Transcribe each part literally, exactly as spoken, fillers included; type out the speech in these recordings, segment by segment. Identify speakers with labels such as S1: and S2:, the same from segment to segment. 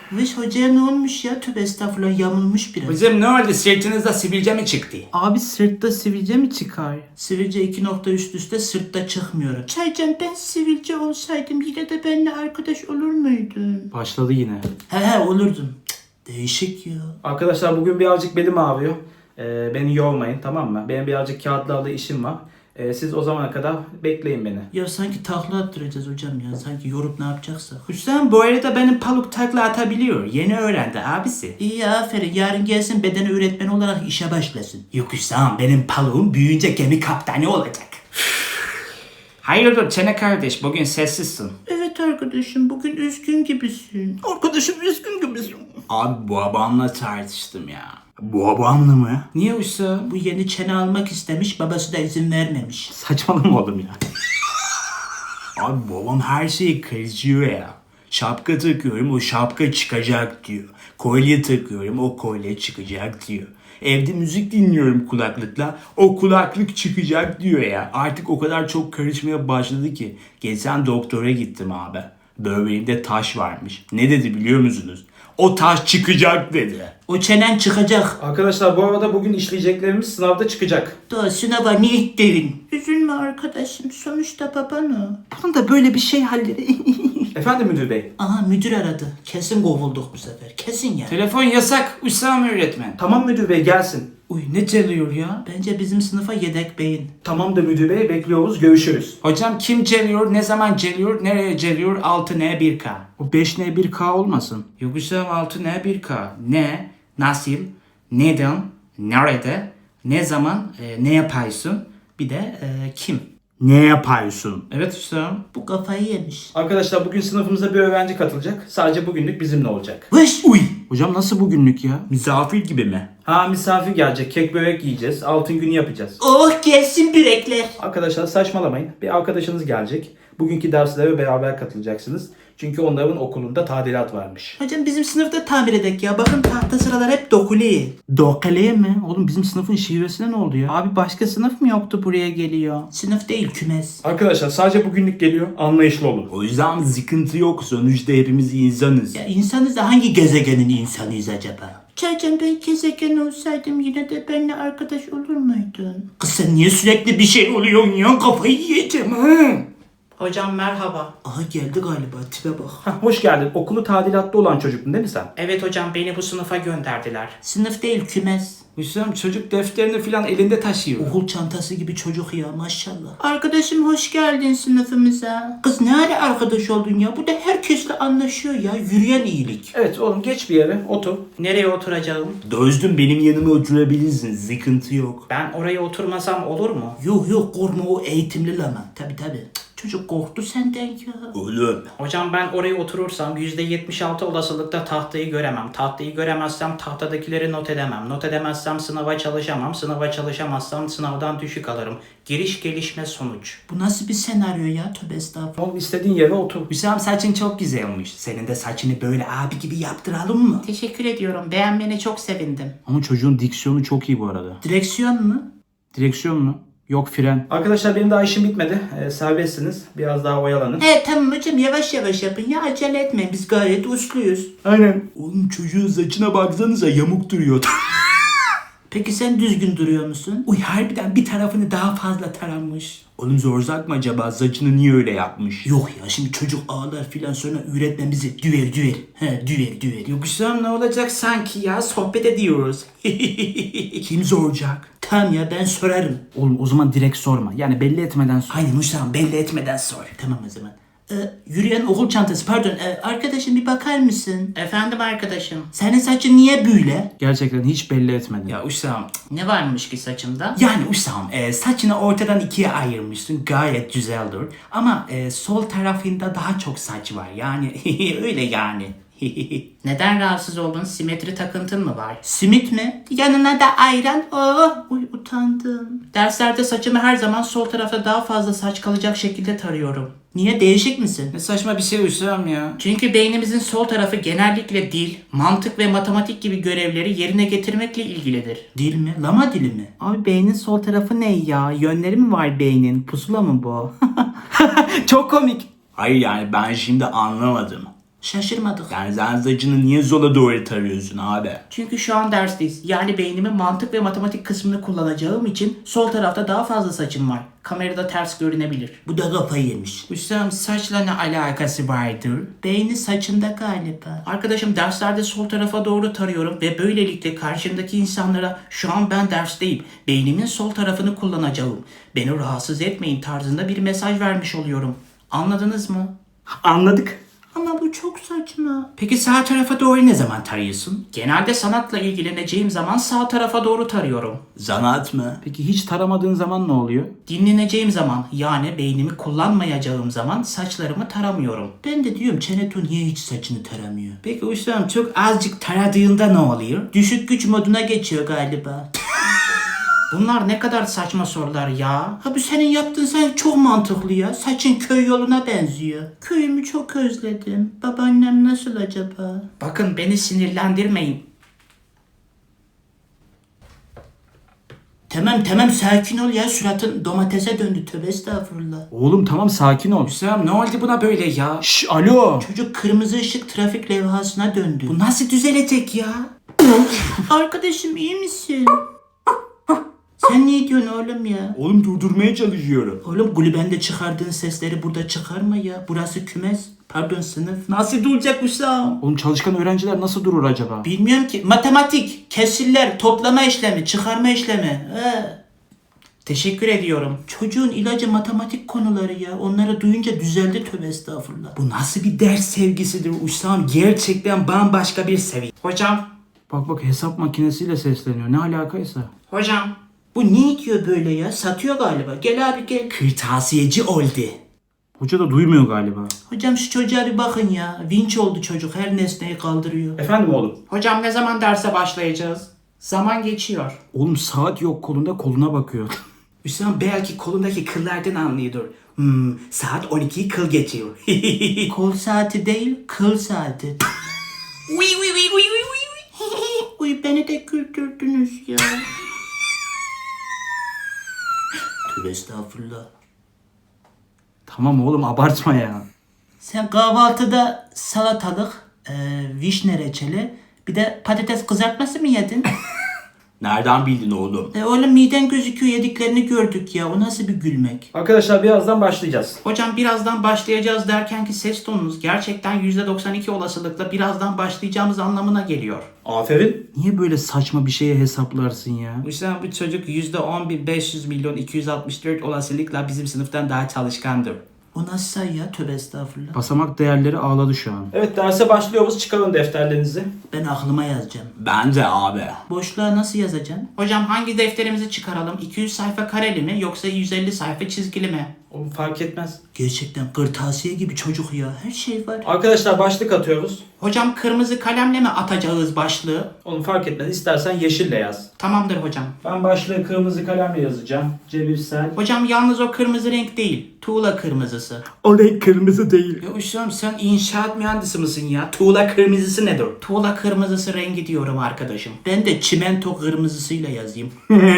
S1: Vış hocaya ne olmuş ya? Tövbe estağfurullah, yamulmuş biraz.
S2: Hocam ne oldu? Sırtınızda sivilce mi çıktı?
S1: Abi sırtta sivilce mi çıkar? Sivilce iki nokta üst üste sırtta çıkmıyor. Çaycan, ben sivilce olsaydım yine de benimle arkadaş olur muydun?
S3: Başladı yine.
S1: He he olurdum. Cık, değişik ya.
S3: Arkadaşlar bugün birazcık belim ağrıyor. Ee, beni yormayın, tamam mı? Benim birazcık kağıtlarla işim var. Ee, siz o zamana kadar bekleyin beni.
S1: Ya sanki takla attıracağız hocam ya. Sanki yorup ne yapacaksak. Hüsam bu arada benim paluk takla atabiliyor. Yeni öğrendi abisi. İyi, aferin. Yarın gelsin beden öğretmeni olarak işe başlasın. Yok Hüsam, benim paluğum büyüyünce gemi kaptanı olacak.
S2: Hayırdır Çene kardeş, bugün sessizsin.
S1: Evet arkadaşım, bugün üzgün gibisin. Arkadaşım üzgün gibisin.
S2: Abi bu babamla tartıştım ya. Bu babamla mı? Niye Usta?
S1: Bu yeni çene almak istemiş, babası da izin vermemiş.
S3: Saçmalama oğlum ya.
S2: Abi babam her şeyi karışıyor ya. Şapka takıyorum, o şapka çıkacak diyor. Kolye takıyorum, o kolye çıkacak diyor. Evde müzik dinliyorum kulaklıkla, o kulaklık çıkacak diyor ya. Artık o kadar çok karışmaya başladı ki. Geçen doktora gittim abi. Böbreğimde taş varmış. Ne dedi biliyor musunuz? O taş çıkacak dedi.
S1: O çenen çıkacak.
S3: Arkadaşlar bu arada bugün işleyeceklerimiz sınavda çıkacak.
S1: Daha sınava ne ittirin? Üzülme arkadaşım, sonuçta baban o. Bunun da böyle bir şey halleri.
S3: Efendim müdür bey?
S1: Aha, müdür aradı. Kesin kovulduk bu sefer. Kesin ya.
S2: Telefon yasak Hüsam öğretmen.
S3: Tamam müdür bey, gelsin.
S1: Uy, ne çalıyor ya? Bence bizim sınıfa yedek beyin.
S3: Tamam da müdür bey, bekliyoruz, görüşürüz.
S2: Hocam kim geliyor, ne zaman geliyor, nereye geliyor? altı N bir K.
S3: O beş N bir K olmasın.
S2: Yok Hüsam altı N bir K. Ne, nasıl, neden, nerede, ne zaman, e, ne yapıyorsun? Bir de e, kim?
S3: Ne yapıyorsun?
S2: Evet Hüsam.
S1: Bu kafayı yemiş.
S3: Arkadaşlar bugün sınıfımıza bir öğrenci katılacak. Sadece bugünlük bizimle olacak.
S1: Vış!
S2: Uy.
S3: Hocam nasıl bugünlük ya?
S2: Misafir gibi mi?
S3: Ha, misafir gelecek, kek börek yiyeceğiz, altın günü yapacağız.
S1: Oh, gelsin bürekler.
S3: Arkadaşlar saçmalamayın. Bir arkadaşınız gelecek. Bugünkü derslere beraber katılacaksınız. Çünkü onların okulunda tadilat varmış.
S1: Hocam bizim sınıfta tamir edek ya. Bakın tahta sıralar hep dokulu.
S3: Dokale mi? Oğlum bizim sınıfın şivesine ne oldu ya?
S1: Abi başka sınıf mı yoktu buraya geliyor? Sınıf değil, kümes.
S3: Arkadaşlar sadece bugünlük geliyor. Anlayışlı olun.
S2: O yüzden sıkıntı yok. Sonuçta hepimiz insanız.
S1: Ya insanız da hangi gezegenin insanıyız acaba? Çaycan, ben gezegen olsaydım yine de benimle arkadaş olur muydun? Kız sen niye sürekli bir şey oluyorsun ya? Kafayı yiyeceğim ha. Hocam merhaba. Aha geldi galiba, tipe bak.
S3: Hah, hoş geldin. Okulu tadilatta olan çocuktun değil mi sen?
S4: Evet hocam, beni bu sınıfa gönderdiler.
S1: Sınıf değil, kümes.
S2: Hüsam çocuk defterini falan elinde taşıyor.
S1: Okul çantası gibi çocuk ya, maşallah. Arkadaşım hoş geldin sınıfımıza. Kız ne ara arkadaş oldun ya? Bu da herkesle anlaşıyor ya. Yürüyen iyilik.
S3: Evet oğlum, geç bir yere otur.
S4: Nereye oturacağım?
S2: Dostum benim yanıma oturabilirsin. Sıkıntı yok.
S4: Ben oraya oturmasam olur mu?
S1: Yok yok, korkma, o eğitimli lama. Tabi tabi. Çocuk korktu senden ya.
S2: Oğlum.
S4: Hocam ben oraya oturursam yüzde yetmiş altı olasılıkla tahtayı göremem. Tahtayı göremezsem tahtadakileri not edemem. Not edemezsem sınava çalışamam. Sınava çalışamazsam sınavdan düşük alırım. Giriş gelişme sonuç.
S1: Bu nasıl bir senaryo ya? Tövbe estağfurullah.
S3: Oğlum istediğin yere otur.
S2: Hüsam saçın çok güzel olmuş. Senin de saçını böyle abi gibi yaptıralım mı?
S4: Teşekkür ediyorum. Beğenmene çok sevindim.
S3: Ama çocuğun diksiyonu çok iyi bu arada.
S1: Direksiyon mu?
S3: Direksiyon mu? Yok, fren. Arkadaşlar benim daha işim bitmedi. Ee, serbestsiniz. Biraz daha oyalanın.
S1: He tamam hocam, yavaş yavaş yapın ya, acele etmeyin, biz gayet usluyuz.
S3: Aynen.
S2: Oğlum çocuğun saçına baksanıza yamuk duruyor.
S1: Peki sen düzgün duruyor musun?
S2: Uy harbiden bir tarafını daha fazla taranmış. Oğlum zorzak mı acaba? Saçını niye öyle yapmış?
S1: Yok ya, şimdi çocuk ağlar filan, sonra öğretmen bizi düver düver. He düver düver.
S2: Yok Hüsam ne olacak sanki ya? Sohbet ediyoruz. Kim zoracak?
S1: Tamam ya, ben sorarım.
S3: Oğlum o zaman direkt sorma. Yani belli etmeden sor.
S1: Aynen Hüsam, belli etmeden sor. Tamam o zaman. Ee, yürüyen okul çantası, pardon, ee, arkadaşım bir bakar mısın?
S4: Efendim arkadaşım.
S1: Senin saçın niye böyle?
S3: Gerçekten hiç belli etmedin.
S2: Ya Hüsam.
S4: Ne varmış ki saçımda?
S2: Yani Hüsam e, saçını ortadan ikiye ayırmışsın. Gayet güzeldir. Ama e, sol tarafında daha çok saç var. Yani öyle yani.
S4: Neden rahatsız oldun? Simetri takıntın mı var?
S1: Simit mi? Yanına da ayran. Oh, uy utandım.
S4: Derslerde saçımı her zaman sol tarafta daha fazla saç kalacak şekilde tarıyorum.
S1: Niye, değişik misin?
S2: Ne saçma bir şey Hüsam ya.
S4: Çünkü beynimizin sol tarafı genellikle dil, mantık ve matematik gibi görevleri yerine getirmekle ilgilidir.
S1: Dil mi? Lama dili mi?
S5: Abi beynin sol tarafı ne ya? Yönleri mi var beynin? Pusula mı bu? Çok komik.
S2: Hayır yani ben şimdi anlamadım.
S1: Şaşırmadık.
S2: Yani sen saçını niye sola doğru tarıyorsun abi?
S4: Çünkü şu an dersteyiz. Yani beynimin mantık ve matematik kısmını kullanacağım için sol tarafta daha fazla saçım var. Kamerada ters görünebilir.
S1: Bu da kafayı yemiş.
S4: Hüsam saçla ne alakası vardır?
S1: Beyni saçında galiba.
S4: Arkadaşım derslerde sol tarafa doğru tarıyorum ve böylelikle karşımdaki insanlara şu an ben dersteyim. Beynimin sol tarafını kullanacağım. Beni rahatsız etmeyin tarzında bir mesaj vermiş oluyorum. Anladınız mı?
S3: Anladık.
S1: Ama bu çok saçma.
S4: Peki sağ tarafa doğru ne zaman tarıyorsun? Genelde sanatla ilgileneceğim zaman sağ tarafa doğru tarıyorum.
S2: Zanat mı?
S3: Peki hiç taramadığın zaman ne oluyor?
S4: Dinleneceğim zaman yani beynimi kullanmayacağım zaman saçlarımı taramıyorum.
S1: Ben de diyorum Çeneto niye hiç saçını taramıyor?
S4: Peki Hüsam çok azıcık taradığında ne oluyor?
S1: Düşük güç moduna geçiyor galiba.
S4: Bunlar ne kadar saçma sorular ya.
S1: Ha bu senin yaptığın sen çok mantıklı ya. Saçın köy yoluna benziyor. Köyümü çok özledim. Babaannem nasıl acaba?
S4: Bakın beni sinirlendirmeyin.
S1: Tamam tamam sakin ol ya. Suratın domatese döndü. Tövbe estağfurullah.
S3: Oğlum tamam sakin ol.
S4: Hüsam ne oldu buna böyle ya?
S3: Şş, alo.
S1: Çocuk kırmızı ışık trafik levhasına döndü.
S4: Bu nasıl düzelecek ya?
S1: Arkadaşım iyi misin? Sen ne diyorsun oğlum ya?
S2: Oğlum durdurmaya çalışıyorum.
S1: Oğlum kulübende çıkardığın sesleri burada çıkarma ya. Burası kümes. Pardon sınıf.
S4: Nasıl duracak Hüsam?
S3: Oğlum çalışkan öğrenciler nasıl durur acaba?
S1: Bilmiyorum ki. Matematik, kesirler, toplama işlemi, çıkarma işlemi. He.
S4: Teşekkür ediyorum.
S1: Çocuğun ilacı matematik konuları ya. Onları duyunca düzeldi tövbe estağfurullah.
S4: Bu nasıl bir ders sevgisidir Hüsam? Gerçekten bambaşka bir seviye. Hocam,
S3: Bak bak hesap makinesiyle sesleniyor. Ne alakaysa.
S4: hocam.
S1: Bu ne diyor böyle ya? Satıyor galiba. Gel abi gel.
S4: Kırtasiyeci oldu.
S3: Hoca da duymuyor galiba.
S1: Hocam şu çocuğa bir bakın ya. Vinç oldu çocuk. Her nesneyi kaldırıyor.
S3: Efendim oğlum?
S4: Hocam ne zaman derse başlayacağız? Zaman geçiyor.
S3: Oğlum saat yok kolunda koluna bakıyor.
S4: Hüsam belki kolundaki kıllardan anlıyordur. Hmm, saat on ikiyi kıl geçiyor.
S1: Kol saati değil, kıl saati.
S4: Uy uy uy uy uy uy.
S1: Uy beni de güldürdünüz ya. Tövbe estağfurullah.
S3: Tamam oğlum abartma ya.
S1: Sen kahvaltıda salatalık, e, vişne reçeli, bir de patates kızartması mı yedin?
S2: Nereden bildin oğlum?
S1: e oğlum miden gözüküyor yediklerini gördük ya. O nasıl bir gülmek?
S3: Arkadaşlar birazdan başlayacağız.
S4: Hocam birazdan başlayacağız derken ki ses tonunuz gerçekten yüzde doksan iki olasılıkla birazdan başlayacağımız anlamına geliyor.
S3: Aferin. Niye böyle saçma bir şeye hesaplarsın ya?
S4: Hüsam bu çocuk yüzde on bin beş yüz milyon iki yüz altmış dört olasılıkla bizim sınıftan daha çalışkandır.
S1: O nasıl say ya? Tövbe estağfurullah.
S3: Basamak değerleri ağladı şu an. Evet derse başlıyoruz. Çıkarın defterlerinizi.
S1: Ben aklıma yazacağım.
S2: Ben de abi.
S1: Boşluğa nasıl yazacağım?
S4: Hocam hangi defterimizi çıkaralım? iki yüz sayfa kareli mi yoksa yüz elli sayfa çizgili mi?
S3: Oğlum fark etmez.
S1: Gerçekten kırtasiye gibi çocuk ya. Her şey var.
S3: Arkadaşlar başlık atıyoruz.
S4: Hocam kırmızı kalemle mi atacağız başlığı?
S3: Oğlum fark etmez. İstersen yeşille yaz.
S4: Tamamdır hocam.
S3: Ben başlığı kırmızı kalemle yazacağım. Cebirsel.
S4: Hocam yalnız o kırmızı renk değil. Tuğla kırmızısı.
S3: O renk kırmızı değil.
S4: Ya Hüsam sen inşaat mühendisi misin ya? Tuğla kırmızısı nedir? Tuğla kırmızısı rengi diyorum arkadaşım.
S1: Ben de çimento kırmızısıyla yazayım.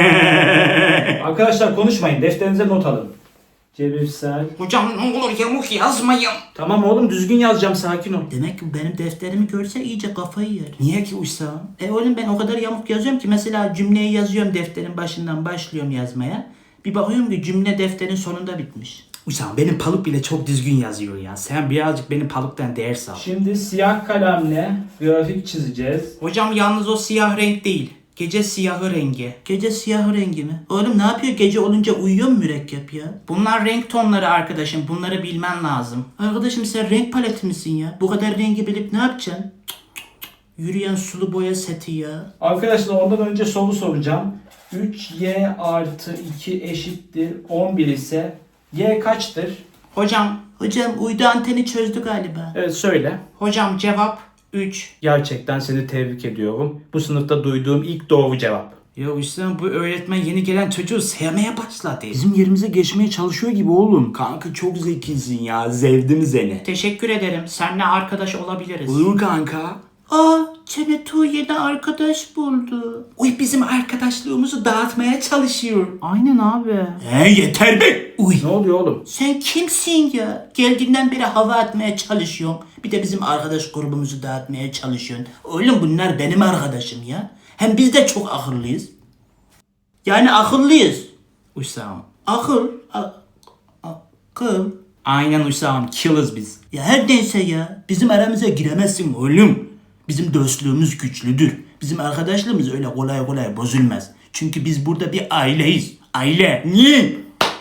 S3: Arkadaşlar konuşmayın. Defterinize not alın. Cebirsel.
S4: Hocam ne olur yamuk yazmayın.
S3: Tamam oğlum düzgün yazacağım. Sakin ol.
S1: Demek ki benim defterimi görse iyice kafayı yer.
S4: Niye ki Hüsam?
S1: E oğlum ben o kadar yamuk yazıyorum ki mesela cümleyi yazıyorum defterin başından başlıyorum yazmaya. Bir bakıyorum ki cümle defterin sonunda bitmiş.
S4: Hüsam benim paluk bile çok düzgün yazıyor ya. Sen birazcık benim paluktan ders al.
S3: Şimdi siyah kalemle grafik çizeceğiz.
S4: Hocam yalnız o siyah renk değil. Gece siyahı rengi.
S1: Gece siyah rengi mi? Oğlum ne yapıyor gece olunca uyuyor mu mürekkep ya?
S4: Bunlar renk tonları arkadaşım. Bunları bilmen lazım.
S1: Arkadaşım sen renk paleti misin ya? Bu kadar rengi bilip ne yapacaksın? Cık, cık, cık. Yürüyen sulu boya seti ya.
S3: Arkadaşlar ondan önce soru soracağım. üç y artı iki eşittir on bir ise y kaçtır?
S4: Hocam,
S1: Hocam uydu anteni çözdü galiba.
S3: Evet söyle.
S4: hocam cevap üç.
S3: Gerçekten seni tebrik ediyorum. Bu sınıfta duyduğum ilk doğru cevap.
S4: Ya Hüsam bu öğretmen yeni gelen çocuğu sevmeye başladı.
S3: Bizim yerimize geçmeye çalışıyor gibi oğlum.
S2: Kanka çok zekisin ya. Zevdim seni.
S4: Teşekkür ederim. Seninle arkadaş olabiliriz.
S2: Olur kanka.
S1: Aa, Çenetu yeni arkadaş buldu.
S2: Uy bizim arkadaşlığımızı dağıtmaya çalışıyor.
S5: Aynen abi.
S2: He yeter be. Uy.
S3: Ne oluyor oğlum?
S1: Sen kimsin ya? Geldiğinden beri hava atmaya çalışıyorsun. Bir de bizim arkadaş grubumuzu dağıtmaya çalışıyorsun. Oğlum bunlar benim arkadaşım ya. Hem biz de çok akıllıyız. Yani akıllıyız.
S2: Usam.
S1: Akıl. A- akıl.
S2: Aynen Usam. Killers biz.
S1: Ya her neyse ya. Bizim aramıza giremezsin oğlum. Bizim dostluğumuz güçlüdür. Bizim arkadaşlığımız öyle kolay kolay bozulmaz. Çünkü biz burada bir aileyiz. Aile. Niye?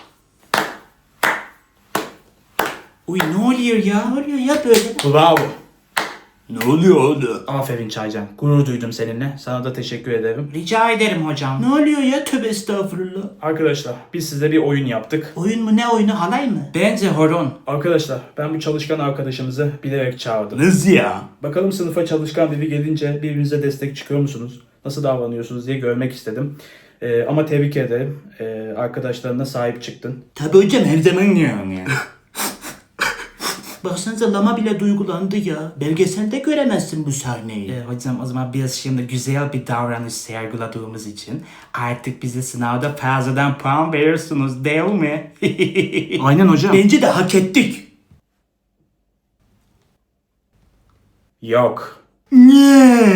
S2: Uy ne oluyor ya?
S1: Ne oluyor ya böyle?
S3: Bravo.
S2: Ne oluyor oğlum?
S3: Aferin Çaycan. Gurur duydum seninle. Sana da teşekkür ederim.
S4: Rica ederim hocam.
S1: Ne oluyor ya? Tövbe estağfurullah.
S3: Arkadaşlar biz size bir oyun yaptık.
S1: Oyun mu ne oyunu halay mı?
S4: Bence horon.
S3: Arkadaşlar ben bu çalışkan arkadaşımızı bilerek çağırdım.
S2: Nasıl ya?
S3: Bakalım sınıfa çalışkan biri gelince birbirinize destek çıkıyor musunuz? Nasıl davranıyorsunuz diye görmek istedim. Ee, ama tebrik ederim. Ee, arkadaşlarına sahip çıktın.
S1: Tabii hocam her zaman
S2: Yani.
S1: Baksanıza lama bile duygulandı ya. Belgeselde göremezsin bu sahneyi.
S2: E, hocam o zaman biz şimdi güzel bir davranış sergiladığımız için artık bize sınavda fazladan puan veriyorsunuz değil mi?
S5: Aynen hocam.
S1: Bence de hak ettik.
S3: Yok.
S1: Niye?